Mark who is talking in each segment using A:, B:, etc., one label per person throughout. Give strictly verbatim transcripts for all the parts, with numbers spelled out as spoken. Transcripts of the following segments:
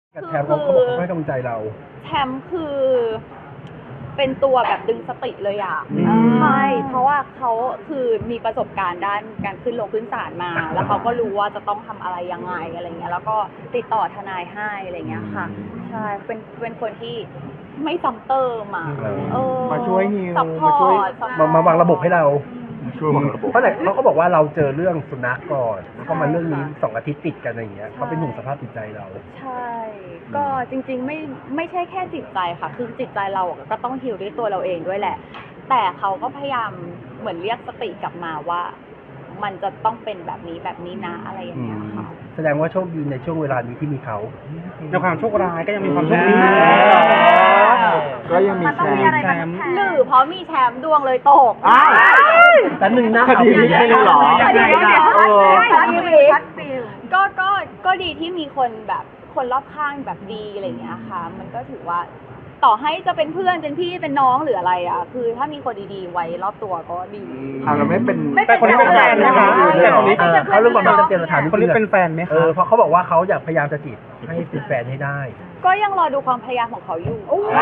A: กับแชมป์เขาเขาบอกเขาให้กำลังใจเรา
B: แชมป์คือเป็นตัวแบบดึงสติเลยอ่ะใช่เพราะว่าเขาคือมีประสบการณ์ด้านการขึ้นลงขึ้นศาลมา แล้วเขาก็รู้ว่าจะต้องทำอะไรยังไงอะไรเงี้ยแล้วก็ติดต่อทนายให้อะไรเงี้ยค่ะใช่เป็นเป็นคนที่ไม่ซัมเตอร์มาเออ
C: มาช่วยฮิว
B: ซัพพอร์ต
A: มามาวางระบบให้เรา
C: ช่วยวางระบบ
A: เพราะไหนเขาก็บอกว่าเราเจอเรื่องสุนัขก่อนแล้วก็มาเรื่องนี้สองอาทิตย์ติดกันอะไรอย่างเงี้ยเขาเป็นห่วงสภาพจิตใจเรา
B: ใช่ก็จริงๆไม่ไม่ใช่แค่จิตใจค่ะคือจิตใจเราก็ต้องฮีลด้วยตัวเราเองด้วยแหละแต่เขาก็พยายามเหมือนเรียกสติกลับมาว่ามันจะต้องเป็นแบบนี้แบบนี้นะอะไรอย่างเงี้ยค่ะ
A: แสดงว่าโชคดีในช่วงเวลานี้ที่มีเขา
D: ในความโชคร้ายก็ยังมีความโชคดี
C: ก็ยังมีแชมป์
B: หรือเพราะมีแชมป์ดวงเลยตก
A: แต่หนึ่งนะ
C: คดีนี้ไม่รู้หรอ
B: คดีนี้ก็ก็ก็ดีที่มีคนแบบคนรอบข้างแบบดีอะไรอย่างเงี้ยค่ะมันก็ถือว่าต่อให้จะเป็นเพื่อนเป็นพี่เป็นน้องหรืออะไรอ่ะคือถ้ามีคนดีๆไว้รอบตัวก็ดี
C: อ่าเราไม่เป็น
D: แต่คนนี้เป็นแฟนนะคะแต่คนนี้
A: เขาเรื่องความรักเตรียมสถาน
D: คนนี้เป็นแฟนไหมคะ
A: เออเพราะเขาบอกว่าเขาอยากพยายามจะจีบให้เป็นแฟนให้ได้
B: ก็ยังรอดูความพยายามของเขาอยู่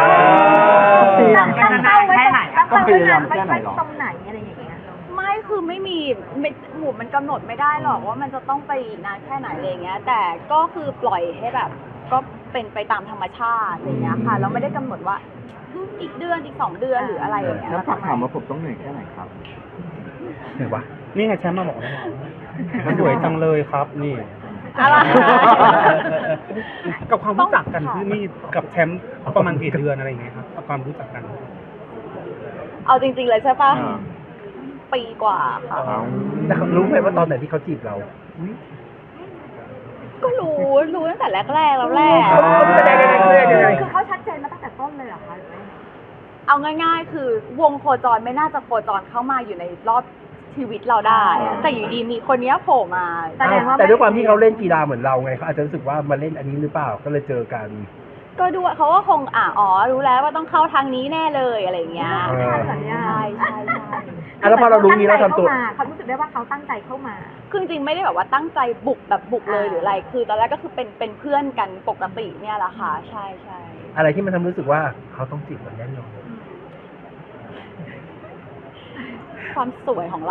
C: ตั้งเป้าไว้แค่ไหนก็พยายามแค่ไหนหรอ
B: ตรงไหนอะไรอย่างเงี้ยไม่คือไม่มีไม่หมู่มันกำหนดไม่ได้หรอกว่ามันจะต้องไปนานแค่ไหนอะไรเงี้ยแต่ก็คือปล่อยให้แบบก็เป็นไปตามธรรมชาติอะไรเงี้ยค่ะเราไม่ได้กำหนดว่าอีกเดือนอีกสองเดือนหรืออะไรอย่างเงี้ย
C: ถ้าฝากถามว่าผมต้องเหนื่อยแค่ไหนครับ
A: เหนื่อยวะ
D: นี่ไงแชมป์มาบอกแล้วสวยจังเลยครับนี่
B: อะไร
D: กับความรู้จักกันคือนี่กับแชมป์ประมาณกี่เดือนอะไรอย่างเงี้ยครับกับความรู้จักกัน
B: เอาจริงๆเลยใช่ปะปีกว่าค่ะ
A: แต่เขารู้ไหมว่าตอนไหนที่เขาจีบเรา
B: ก็รู้รู้ตั้งแต่แรกๆแล้วแหละ
E: คือเขาชัดเจนมาตั้งแต่ต้นเลยเหรอคะ
B: เอาง่ายๆคือวงโคจรไม่น่าจะโคจรเข้ามาอยู่ในรอบชีวิตเราได้แต่อยู่ดีมีคนนี้โผล่มา
A: แต่ด้วยความที่เขาเล่นกีฬาเหมือนเราไงเขาอาจจะรู้สึกว่ามาเล่นอันนี้หรือเปล่าก็เลยเจอกัน
B: ก็ดูเขาก็คงอ่ะอ๋อรู้แล้วว่าต้องเข้าทางนี้แน่เลยอะไรอย่างเงี้ยใช่ใช่ใช่
A: แล้วพอเรารู้นี้เราทำตัว
E: เขารู้สึกได้ว่าเขาตั้งใจเข้ามา
B: คือจริงไม่ได้แบบว่าตั้งใจบุกแบบบุกเลยหรืออะไรคือตอนแรกก็คือเป็นเป็นเพื่อนกันปกติเนี่ยแหละค่ะใช่ใช่
A: อะไรที่มันทำรู้สึกว่าเขาต้องจีบเราแน่นอน
B: ความสวยของเรา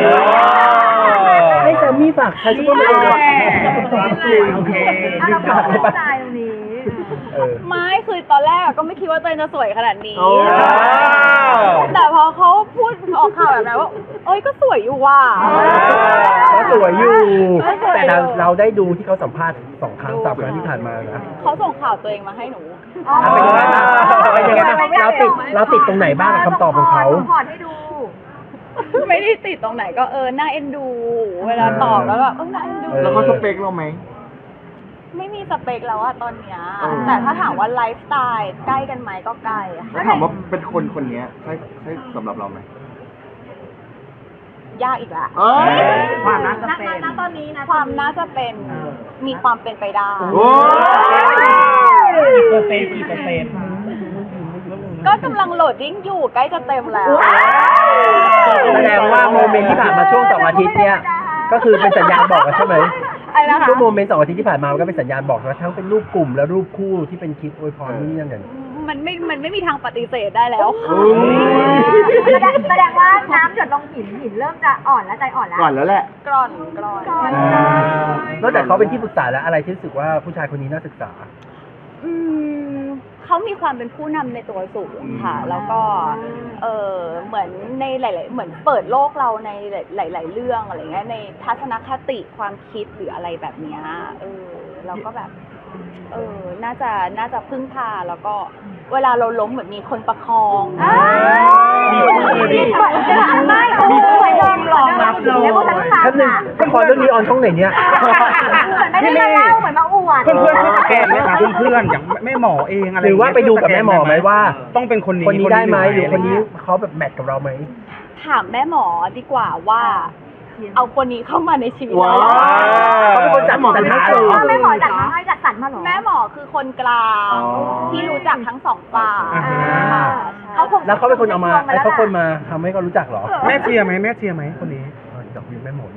A: ให้แซมมี่ฝากใช้ซุปเปอร์มาร์เก็ต
E: โอเคเราไม่เข้าใจตรงนี้
B: ไม่คือตอนแรกก็ไม่คิดว่าตัวเองจะสวยขนาดนี้แต่พอเขาพูดออกข่าวแบบนั้นว่าเอ้ยก็สวยอยู่ว่ะ
A: ก็สวยอยู่แต่เราเราได้ดูที่เขาสัมภาษณ์สองครั้งสามครั้งที่ผ่านมานะ
B: เขาส่งข่าวตัวเองมาให้หนู
A: เป็นยังไงบ้างเราติดเราติดตรงไหนบ้างคำตอบของเขา
E: ขอให้ดู
B: ไม่ได้ติดตรงไหนก็เออน่าเอ็นดูเวลาตอบแล้วแบบเออน่าเอ็นดู
C: แล้วเขาสเปคเราไหม
B: ไม่มีสเปคแล้วอะตอนเนี้ยแต่ถ้าถามว่าไลฟ์สไตล์ใกล้กันไหมก็ใกล้
C: ถ้าถามว่าเป็นคนคนนี้ใช่ใช่สำหรับเราไหม
B: ยากอีกละ
E: ความน่าจะเป็นณตอนนี้นะ
B: ความน่าจะเป็นมีความเป็นไปได้
D: เปอร์เซ็นต์กี่เปอร์เซ็นต์
B: ก็กำลังโหลดดิ้งอยู่ใกล้จะเต็มแล้ว
A: แสดงว่าโมเมนต์ที่ผ่านมาช่วงสองอาทิตย์เนี่ยก็คือเป็นสัญญาณบอกแล้วใช่ไหมช่วงโมเมนต์สองอาทิตย์ที่ผ่านมามันก็เป็นสัญญาณบอกว่าทั้งเป็นรูปกลุ่มและรูปคู่ที่เป็นคลิปอวยพรนู่นนี่นั่น
B: มันไม่มันไม่มีทางปฏิเสธได้แล้ว
E: แสดงว่าน้ำหยดลงหินหินเริ่มจะอ่อนแล้วใจอ่อนแล้ว
C: ก่อนแล้วแหละ
B: กร่อนกร่อน
A: นอกจากเขาเป็นที่ปรึกษาแล้วอะไรที่รู้สึกว่าผู้ชายคนนี้น่าศึกษา
B: อืมเขามีความเป็นผู้นำในตัวสูงค่ะแล้วก็เออเหมือนในหลายๆเหมือนเปิดโลกเราในหลายๆเรื่องอะไรเงี้ยในทัศนคติความคิดหรืออะไรแบบเนี้ยเออเราก็แบบเออน่าจะน่าจะพึ่งพาแล้วก็เวลาเราล้มเหมือนมีคนประคอง
E: มีคนจะทำไม่มีคนยอมรองรับเลย
A: ท่านหนึ่งละครเรื่องนี้ออนช่องไหนเนี่ย
E: เหมือนไม่ได้มาเล่าเหมือนมาอวด
D: เพื่อนเพื่อนที่สแกนไหมคะเพื่อนๆอย่างแม่หมอเองอะไร
A: หรือว่าไปดูกับแม่หมอไหมว่า
D: ต้องเป็นคนนี้
A: คนนี้ได้ไหมหรือคนนี้เขาแบบแมทกับเราไหม
B: ถามแม่หมอดีกว่าว่าเอาคนนี้เข้ามาในชีวิต
A: เราเขาเป็นคนจัดหมอเป็น
E: ให้แม่หมอจัดมาให้จัดสรรมาหรอ
B: แม่หมอคือคนกลางที่รู้จักทั้งสองฝ่าย
A: แล้วเขาเป็นคนเอามาไอ้เขาคนมาทำให้เขารู้จักหรอ
D: แม่เชียร์ไหมแม่เชียร์ไหมคนนี้
A: ดอกวิวแม่หมอเลย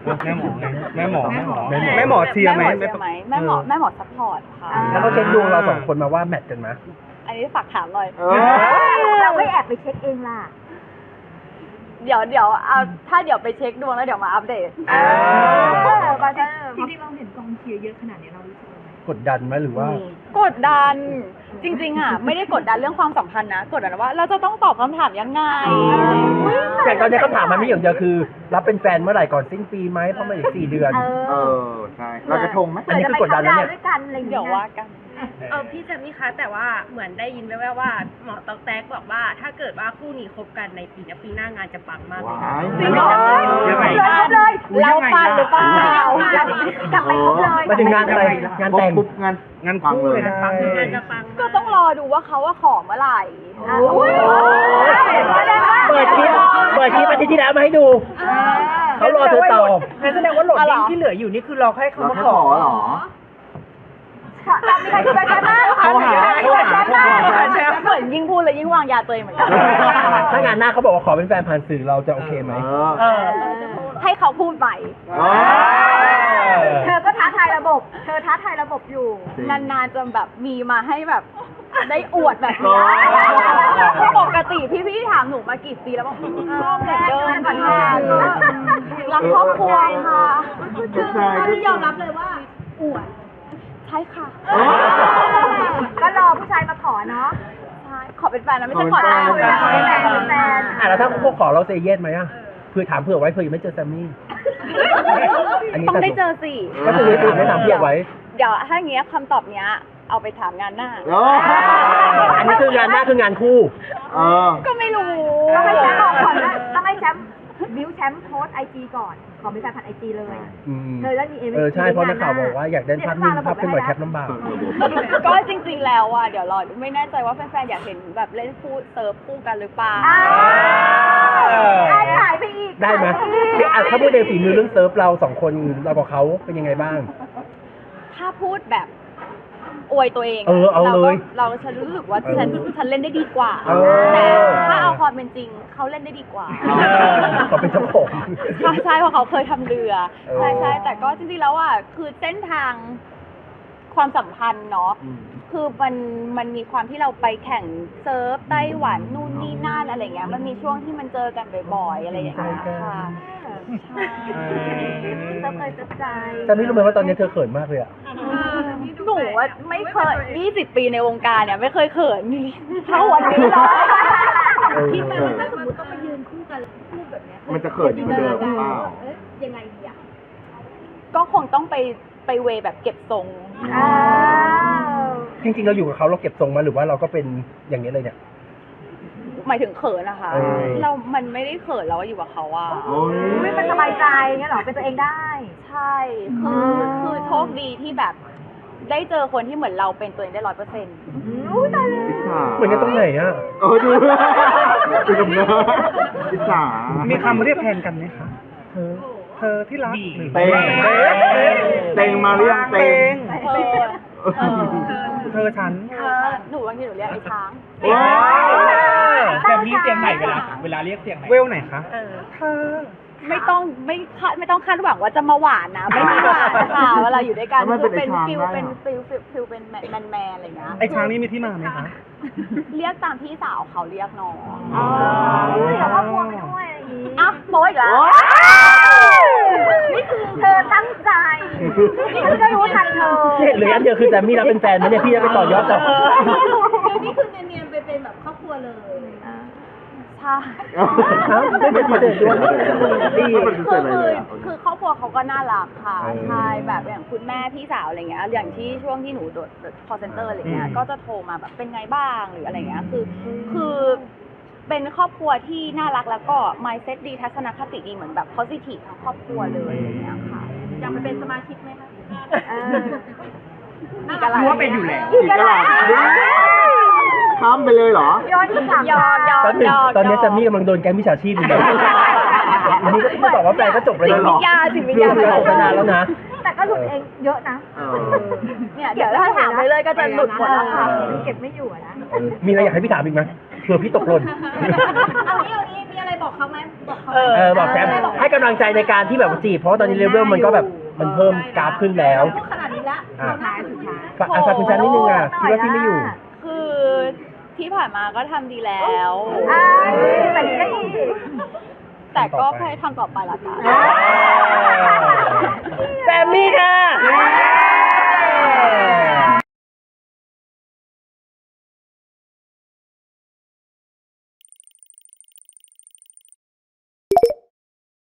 D: แม่หมอไงแม่หมอแม่หมอ
A: แม่หมอ
D: แม่หมอเชียร์ไหม
B: แม่หมอเชียร์ไหมแม่หมอแม่หมอซัพพอร์ตค่ะ
A: แล้วเขาเช็คดวงเราสองคนมาว่าแมทกันไหม
B: อันนี้ฝากถามหน่อย
C: เออ
E: เราไม่แอบไปเช็คเองล่ะ
B: เดี๋ยวเดี๋ยวเอาถ้าเดี๋ยวไปเช็คดวงแล้วเดี๋ยวมาอัปเดต
E: เออบาร์เซอร์
F: จริงๆเราเห็นกองเชียร์เยอะขนาดนี้เรารู้สึกยังไง
A: กดดันไหมหรือว่า
B: กดดันจริง ๆ อ่ะ ไม่ได้กดดันเรื่องความสัมพันธ์นะ กดดันว่าเราจะต้องตอบคำถามยังไง
A: อย่างตอนนี้คำถามมันไม่อย่างเดียวคือ รับเป็นแฟนเมื่อไหร่ก่อนสิ้นปีไหมเพราะมันอีกสี่เดือน
E: เอ
C: เอ
E: อ
C: อ ใช่ เราจะทงไหม
A: อันนี้คือกดดันแล้วเนี่ย
E: ด้วยกันอะไรอย่าง
B: เดี๋
E: เงี้
B: ยวย ว่ากัน
F: เออพี่แจมมี่คะแต่ว่าเหมือนได้ยินแว่วๆว่าหมอตอกแตกบอกว่าถ้าเกิดว่าคู่นี้คบกันในปีนี้ปีหน้างานจะปังมากเลย
C: ว้าย
B: จริงเหรอ
D: ยังไง
E: เลยครบเลย
B: เราปันหรือเปล่า
E: กลับไปครบเลย
A: มาถึงงานอะไรงานแต่ง
C: ปุ๊บงาน
D: งานคู่เลยนะ
F: งานจะปังมาก
B: ก็ต้องรอดูว่าเขาว่าขอเมื่อไหร่
E: อุ้ย
A: เปิดคลิปเปิดคลิปอาทิตย์ที่แล้วมาให้ดู เขารอเธอตอบ
G: งั้นแสดงว่าโหลดลิงก์ที่เหลืออยู่นี่คือเราให้เขา
C: เรา
G: มา
C: แค่
G: ข
C: ข
G: อ
C: อเหรอ
E: เรามีใครคุยกับฉันบ้าง
C: โทรหาโทรหาโทรหา
B: เหมือนยิ่งพูดเลยยิ่งวางยาตัวเองเหมือนกัน
A: ถ้างานหน้าเขาบอกว่าขอเป็นแฟนผ่านสื่อเราจะโอเคไหม
C: เออ
G: เออ
B: ให้เขาพูดใหม่
C: เออ
E: เธอก็ท้าทายระบบ เธอท้าทายระบบอยู่
C: จริง
B: นานๆจะแบบมีมาให้แบบได้อวดแบบนี้
C: อ๋อ
B: ปกติพี่พี่ๆถามหนูมากี่ปีแล้วบอกก็เหมือนเดิม
E: เหมือนเดิม
B: รักครอบครัวค่ะ
C: คือตอนนี้ยอมรับเลย
B: ใช่ค่ะ
E: ก็รอผู้ชายมาขอเนาะ
B: ใช่ขอเป็นแฟนแล้วไม่ใช่ขอแต่ง
C: ขอเป็นแฟน
E: เป็นแฟนเป็นแฟน
A: อ่ะแล้วถ้าพวกขอเราเซเยสไหมอ่ะเพื่อถามเผื่อไว้เผื่อยังไม่เจอแซมมี่ อันนี้
B: ต้องได้เจอสิ
A: ก็คือถามไม่ถามเผื่อไว้
B: เดี๋ยวถ้าอย่างเงี้ยคำตอบเนี้ย เอาไปถามงานหน้า
C: โอ้
A: อันนี้คืองานหน้าคืองานคู่
C: เออ
B: ก็ไม่รู้
E: ต้องให้แชมป์บอกก่อนนะต้องให้แชมป์บิวแชมป์โพสไอจีก่อน ขอเป็นแฟนผ่านไอจีเลย
A: อืม
E: เธอแล้วมีเอ
A: เออใช่เพราะนักข่าวบอกว่าอยากได้ภาพนิ่งภาพเป็นไหวแคปลำบาก
B: ก็จริงๆแล้วอ่ะเดี๋ยวรอดูไม่แน่ใจว่าแฟนๆอยากเห็นแบบเล่นคู่เซิร์ฟคู่กันหรือเปล่า
E: อ้าวอ่ะขายไปอีก
A: ได้ไหม
E: ขายปอีก
A: อ่ะถ้าพูดในฝีมือเรื่องเซิร์ฟเราสองคนเรากับเขาเป็นยังไงบ้าง
B: ถ้าพูดแบบอวยตัวเองะ
A: เออเอาเลย
B: เราก็เราฉันรู้สึกว่าฉันฉันเล่นได้ดีกว่า
A: เออ
B: แต่ถ้าเอาความเป็นจริงเขาเล่นได้ดีกว่า
A: เขาเป็นเจ้าของ
B: ใช่ใช่เพราะเขาเคยทำเรือ
A: เออ
B: ใช่ใช่แต่ก็จริงๆแล้วอ่ะคือเส้นทางความสัมพันธ์เนาะ
C: อืม
B: คือมันมันมีความที่เราไปแข่งเซิร์ฟไต้หวันนู่นนี่นั่นอะไรเงี้ยมันมีช่วงที่มันเจอกันบ่อยๆอะไรอย่างเงี้ยค่ะใช่
E: เติมเลยเติมใจ
A: แต่ไม่รู้ไหมว่าตอนนี้เธอเขินมากเลยอ่ะ
B: หนูว่าไม่เคยยี่สิบปีในวงการเนี่ยไม่เคยเขินเท่าวันนี้เลย
A: เออ
F: คิดไหมว่าถ้าสมมติต้องไปยืนคู่กันคู่แบบเนี้ย
C: มันจะเขินอยู่เหมือนเดิมหรือเปล่า
F: เอ๊ะยังไงดีอ่ะ
B: ก็คงต้องไปไปเวแบบเก็บทรง
E: อ้าว
A: จริงๆเราอยู่กับเขาเราเก็บทรงมาหรือว่าเราก็เป็นอย่างนี้เลยเนี่ย
B: หมายถึงเขินนะคะ
A: เออ
B: เรา มันไม่ได้เขินเราอยู่กับเขาอะ
C: โอ้ย
E: อุ๊ยมันสบายใจเงี้ยเหรอ เป็นตัวเองได้
B: ใช่ คือคือโชคดีที่แบบ ได้เจอคนที่เหมือนเราเป็นตัวเองได้ร้อยเปอร์เซ็นต์
E: อุ้ยตายเลย
C: อิจฉา
A: เหมือนกันตรงไหนอ่ะ
C: เออดูเป็นกับเนื้ออิจฉา
D: มีคำเรียกแทนกันไหมคะ
A: เธอ
D: เธอที่รักหรือ
C: เต็งเต็งมาเรียกเต็ง
B: เออเออ
D: เธอฉัน
B: เออหนูบางทีหนูเรียกไอ้ช้าง
C: ว้าว
G: แบบนี้เสียงไหนเวลาเวลาเรียกเสียงไหน
D: เวลไหนคะ
F: เออ
D: เธอ
B: ไม่ต้องไม่คาดไม่ต้องคาดหวังว่าจะมาหวานนะ ไม่มีหวานค่ะเวลาอยู่ด้วยกัน
C: แล้วมัน
B: คือเป็น
C: เป็นไอ้ช้าง
B: ฟิล
C: ได้เหรอ
B: เป็นฟิลฟิลฟิลเป็นแมนแมนแมนอะไรอย่างเงี้ย
D: ไอ้ช้างนี่มีที่มาไหมคะ
B: เรียกตามพี่สาวเขาเรียกน้อง
E: อ๋ออุ้ยเดี๋ยวว่าพวงไปด้วยอะไรอย่างงี้
B: อ่ะโป๊ยอีกแล้ว
E: นี่คือเธอตั้งใจ นี่คือก็รู้ทันเธอ
A: เนี่ยเหลืออันเดียวคือแซมมี่รับเป็นแฟนไหมเนี่ยพี่จะไปต่อยอดต่อ
F: นี่คือเนียนๆไปเป็นแบบครอบครัวเลย
B: ใช่
A: ครับไม่ปฏิเสธด้วยดี
C: ไม่ปฏิเส
B: คือ
C: ธอะไร
B: คื
C: เล
B: อย
C: อ่ะ
B: คือครอบครัวเขาก็น่ารักค่ะ
A: เออ
B: ใช่แบบอย่างคุณแม่พี่สาวอะไรเงี้ยอย่างที่ช่วงที่หนูโดด call center อะไรเงี้ย
A: อืม
B: ก็จะโทรมาแบบเป็นไงบ้างหรืออะไรเงี้ยคือคือเป็นครอบครัวที่น่ารักแล้วก็ mindset ดีทัศนคติดีเหมือนแบบ positive ทั้งครอบครัวเลยอะไรเงี้ยค่ะ
F: อยากไปเป็นสมาชิกไหมคะ
E: เออ
B: อีกอะไร
G: รู้ว่าเป็นอยู่แล้ว
C: อีกกระดาษข้ามไปเลยเหรอ
E: ย้อนคำถาม
B: ยอมยอม
A: ตอนนี้
B: ยอม
A: ตอนนี้แซมมี่กำลังโดนแก๊งมิจฉาชีพอยู่เลยอันนี้ก็ที่บอกว่าแฟนก็จบไป
B: จิ
A: แล้
B: ต
A: วเหร
B: วิ
A: อ
B: ทยาจิตวิท
A: เรื่
B: ยา
A: องเราออกไปนานแล้วนะ
E: แต่ก็หลุดเองเยอะนะ
C: เออ
B: เนี่ยเดี๋ยวถ้าถามไปเลยก็จะหลุดหมดแล้วค่ะ
E: เก็บไม่อยู่อะนะ
A: มีอะไรอยากให้พี่ถามอีกไหมเผื่อพี่ตกหล่น
F: เอางี้เอางี้มีอะไร
E: บอกเขาไหมบอกเขา
A: เออบอกแชมป์ให้กำลังใจในการที่แบบว่าจีบเพราะว่าตอนนี้เลเวลมันก็แบบมันเพิ่มกราฟขึ้นแล้ว
E: ขนาดนี้ละ
A: อ่ะ
E: สุดท้ายสุดท้าย
A: ฝากอ่ะฝากคุณแชมป์นิดนึงอ่ะคิดว่าพี่ไม่อยู่
B: คือที่ผ่านมาก็ทำดีแล้ว
E: อ่าแต่นี้ก็ดี
B: แต่ก็พยายามทำต่อไปละกัน
A: อ่า